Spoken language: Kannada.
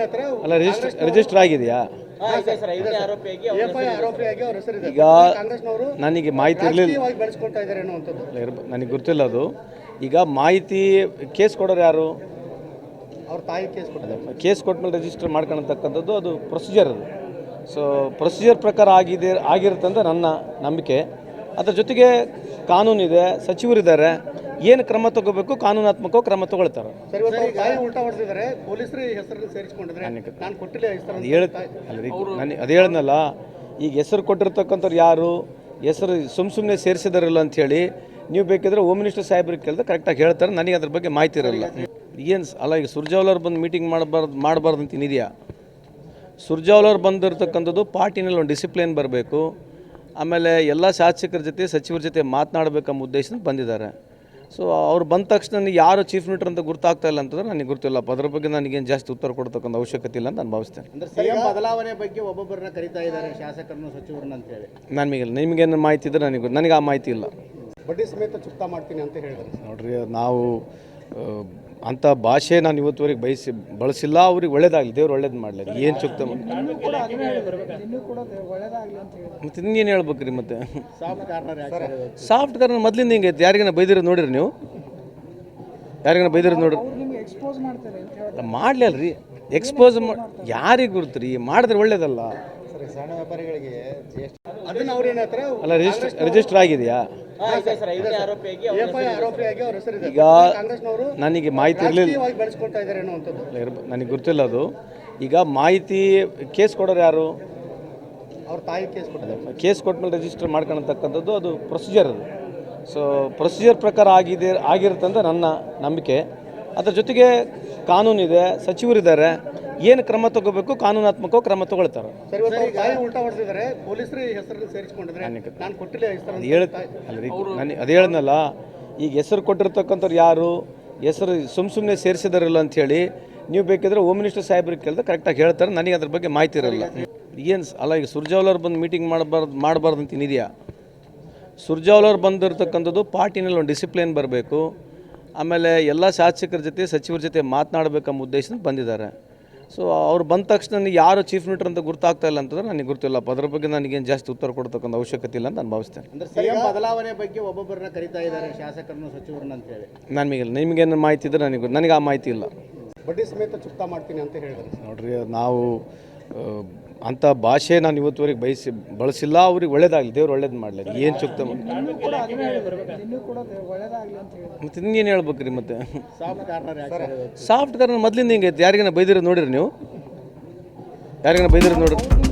ಅಲ್ಲ ರಿಜಿಸ್ಟರ್ ಆಗಿದೆಯಾ? ಈಗ ನನಗೆ ಮಾಹಿತಿ ಇರಲಿಲ್ಲ, ನನಗೆ ಗೊತ್ತಿಲ್ಲ ಅದು. ಈಗ ಮಾಹಿತಿ ಕೇಸ್ ಕೊಡೋರು ಯಾರು? ಅವ್ರ ತಾಯಿ ಕೇಸ್ ಕೊಟ್ಟಿದ್ದಾರೆ. ಕೇಸ್ ಕೊಟ್ಮೇಲೆ ರಿಜಿಸ್ಟರ್ ಮಾಡ್ಕೊಳತಕ್ಕಂಥದ್ದು ಅದು ಪ್ರೊಸೀಜರ್ ಅದು. ಸೊ ಪ್ರೊಸೀಜರ್ ಪ್ರಕಾರ ಆಗಿರುತ್ತೆ ಅಂತ ನನ್ನ ನಂಬಿಕೆ. ಅದರ ಜೊತೆಗೆ ಕಾನೂನಿದೆ, ಸಚಿವರಿದ್ದಾರೆ, ಏನು ಕ್ರಮ ತಗೋಬೇಕು ಕಾನೂನಾತ್ಮಕ ಕ್ರಮ ತಗೊಳ್ತಾರೆ. ಅದು ಹೇಳಿದ್ನಲ್ಲ, ಈಗ ಹೆಸರು ಕೊಟ್ಟಿರ್ತಕ್ಕಂಥವ್ರು ಯಾರು, ಹೆಸರು ಸುಮ್ಮನೆ ಸೇರಿಸಿದಾರಲ್ಲ ಅಂಥೇಳಿ ನೀವು ಬೇಕಿದ್ರೆ ಹೋಮ್ ಮಿನಿಸ್ಟರ್ ಸಾಹೇಬ್ರಿಗೆ ಕೇಳಿದ್ರೆ ಕರೆಕ್ಟಾಗಿ ಹೇಳ್ತಾರೆ. ನನಗೆ ಅದ್ರ ಬಗ್ಗೆ ಮಾಹಿತಿ ಇರಲ್ಲ. ಏನು ಅಲ್ಲ, ಈಗ ಸುರ್ಜೇವಾಲಾ ಬಂದು ಮೀಟಿಂಗ್ ಮಾಡಬಾರ್ದು ಅಂತ ಏನಿದೆಯಾ? ಸುರ್ಜೇವಾಲಾ ಬಂದಿರತಕ್ಕಂಥದ್ದು ಪಾರ್ಟಿನಲ್ಲಿ ಒಂದು ಡಿಸಿಪ್ಲಿನ್ ಬರಬೇಕು, ಆಮೇಲೆ ಎಲ್ಲ ಶಾಸಕರ ಜೊತೆ ಸಚಿವರ ಜೊತೆ ಮಾತನಾಡಬೇಕೆಂಬ ಉದ್ದೇಶದಿಂದ ಬಂದಿದ್ದಾರೆ. ಸೊ ಅವ್ರು ಬಂದ ತಕ್ಷಣ ಯಾರು ಚೀಫ್ ಮಿನಿಸ್ಟರ್ ಅಂತ ಗೊತ್ತಾಗ್ತಾ ಇಲ್ಲ ಅಂತಂದ್ರೆ ನನಗೆ ಗೊತ್ತಿಲ್ಲ. ಅದರ ಬಗ್ಗೆ ನನಗೇನು ಜಾಸ್ತಿ ಉತ್ತರ ಕೊಡ್ತಕ್ಕಂಥ ಅವಶ್ಯಕತೆ ಇಲ್ಲ ಅಂತ ನಾನು ಭಾವಿಸ್ತೇನೆ. ಸಿಎಂ ಬದಲಾವಣೆ ಬಗ್ಗೆ ಒಬ್ಬೊಬ್ಬರನ್ನ ಕರೀತಾ ಇದ್ದಾರೆ, ಶಾಸಕರನ್ನು ಸಚಿವರನ್ನ ಅಂತ ಹೇಳಿ. ನಿಮಗೇನು ಮಾಹಿತಿ ಇದ್ದರೆ ನನಗೆ ಆ ಮಾಹಿತಿ ಇಲ್ಲ. ಬಡ್ಡಿ ಸಮೇತ ಚುಕ್ತಾ ಮಾಡ್ತೀನಿ ಅಂತ ಹೇಳಿದ್ರು. ನೋಡ್ರಿ, ನಾವು ಅಂಥ ಭಾಷೆ ನಾನು ಇವತ್ತುವರೆಗೆ ಬಳಸಿಲ್ಲ. ಅವ್ರಿಗೆ ಒಳ್ಳೇದಾಗಲಿ, ದೇವ್ರು ಒಳ್ಳೇದು ಮಾಡಲಿ. ಏನು ಚುಕ್ತ ಮತ್ತೆ ಇನ್ನೇನು ಹೇಳ್ಬೇಕ್ರಿ? ಮತ್ತೆ ಸಾಫ್ಟ್ ಕಾರ್ನರ್ ಮೊದಲಿಂದ ಹಿಂಗೆ ಐತೆ. ಯಾರಿಗಾನ ಬೈದಿರೋದು ನೋಡಿರಿ ನೀವು? ಯಾರಿಗಾನ ಬೈದಿರೋದು ನೋಡ್ರಿ? ಮಾಡಲಿ ಅಲ್ರಿ, ಎಕ್ಸ್ಪೋಸ್ ಯಾರಿಗೆ ಗುರುತ್ರಿ? ಮಾಡಿದ್ರೆ ಒಳ್ಳೇದಲ್ಲ. ಸಣ್ಣ ವ್ಯಾಪಾರಿಗಳಿಗೆ ಅಲ್ಲ ರಿಜಿಸ್ಟರ್ ಆಗಿದೆಯಾ? ಈಗ ನನಗೆ ಮಾಹಿತಿ ಇರಲಿಲ್ಲ, ನನಗೆ ಗೊತ್ತಿಲ್ಲ ಅದು. ಈಗ ಮಾಹಿತಿ ಕೇಸ್ ಕೊಡೋರು ಯಾರು? ಅವ್ರ ತಾಯಿ ಕೇಸ್ ಕೊಟ್ಟಿದ್ದಾರೆ. ಕೇಸ್ ಕೊಟ್ಮೇಲೆ ರಿಜಿಸ್ಟರ್ ಮಾಡ್ಕೊಳತಕ್ಕಂಥದ್ದು ಅದು ಪ್ರೊಸೀಜರ್ ಅದು. ಸೊ ಪ್ರೊಸೀಜರ್ ಪ್ರಕಾರ ಆಗಿರುತ್ತೆ ಅಂತ ನನ್ನ ನಂಬಿಕೆ. ಅದರ ಜೊತೆಗೆ ಕಾನೂನಿದೆ, ಸಚಿವರಿದ್ದಾರೆ, ಏನು ಕ್ರಮ ತಗೋಬೇಕು ಕಾನೂನಾತ್ಮಕ ಕ್ರಮ ತಗೊಳ್ತಾರೆ. ಅದು ಹೇಳಿದ್ನಲ್ಲ, ಈಗ ಹೆಸರು ಕೊಟ್ಟಿರ್ತಕ್ಕಂಥವ್ರು ಯಾರು, ಹೆಸರು ಸುಮ್ಮನೆ ಸೇರಿಸಿದಾರಲ್ಲ ಅಂಥೇಳಿ ನೀವು ಬೇಕಿದ್ರೆ ಹೋಮ್ ಮಿನಿಸ್ಟರ್ ಸಾಹೇಬ್ರಿಗೆ ಕೇಳಿದ್ರೆ ಕರೆಕ್ಟಾಗಿ ಹೇಳ್ತಾರೆ. ನನಗೆ ಅದ್ರ ಬಗ್ಗೆ ಮಾಹಿತಿ ಇರಲ್ಲ. ಏನು ಅಲ್ಲ, ಈಗ ಸುರ್ಜೇವಾಲಾ ಬಂದು ಮೀಟಿಂಗ್ ಮಾಡಬಾರ್ದು ಅಂತ ಏನಿದೆಯಾ? ಸುರ್ಜೇವಾಲಾ ಬಂದಿರತಕ್ಕಂಥದ್ದು ಪಾರ್ಟಿನಲ್ಲಿ ಒಂದು ಡಿಸಿಪ್ಲಿನ್ ಬರಬೇಕು, ಆಮೇಲೆ ಎಲ್ಲ ಶಾಸಕರ ಜೊತೆ ಸಚಿವರ ಜೊತೆ ಮಾತನಾಡಬೇಕೆಂಬ ಉದ್ದೇಶದಿಂದ ಬಂದಿದ್ದಾರೆ. ಸೊ ಅವ್ರು ಬಂದ ತಕ್ಷಣ ಯಾರು ಚೀಫ್ ಮಿನಿಸ್ಟರ್ ಅಂತ ಗೊತ್ತಾಗ್ತಾ ಇಲ್ಲ ಅಂತಂದ್ರೆ ನನಗೆ ಗೊತ್ತಿಲ್ಲ. ಅದರ ಬಗ್ಗೆ ನನಗೇನು ಜಾಸ್ತಿ ಉತ್ತರ ಕೊಡ್ತಕ್ಕಂಥ ಅವಶ್ಯಕತೆ ಇಲ್ಲ ಅಂತ ನಾನು ಭಾವಿಸ್ತೇನೆ. ಸಿಎಂ ಬದಲಾವಣೆ ಬಗ್ಗೆ ಒಬ್ಬೊಬ್ಬರನ್ನ ಕರೀತಾ ಇದ್ದಾರೆ, ಶಾಸಕರನ್ನು ಸಚಿವರನ್ನ ಅಂತ ಹೇಳಿ. ನಿಮಗೇನು ಮಾಹಿತಿ ಇದ್ದರೆ ನನಗೆ ಆ ಮಾಹಿತಿ ಇಲ್ಲ. ಬಡ್ಡಿ ಸಮೇತ ಚುಕ್ತಾ ಮಾಡ್ತೀನಿ ಅಂತ ಹೇಳಿದ್ರು. ನೋಡ್ರಿ, ನಾವು ಅಂಥ ಭಾಷೆ ನಾನು ಇವತ್ತುವರೆಗೆ ಬಳಸಿಲ್ಲ. ಅವ್ರಿಗೆ ಒಳ್ಳೇದಾಗಲಿ, ದೇವ್ರು ಒಳ್ಳೇದು ಮಾಡಲಿ. ಏನು ಚುಕ್ತ ಮತ್ತೆ ಇನ್ನೇನು ಹೇಳ್ಬೇಕ್ರಿ? ಮತ್ತೆ ಸಾಫ್ಟ್ ಕಾರ್ನರ್ ಮೊದಲಿಂದ ಹಿಂಗೆ ಐತೆ. ಯಾರಿಗಾನ ಬೈದಿರೋದು ನೋಡಿರಿ ನೀವು? ಯಾರಿಗಾನ ಬೈದಿರೋದು ನೋಡ್ರಿ?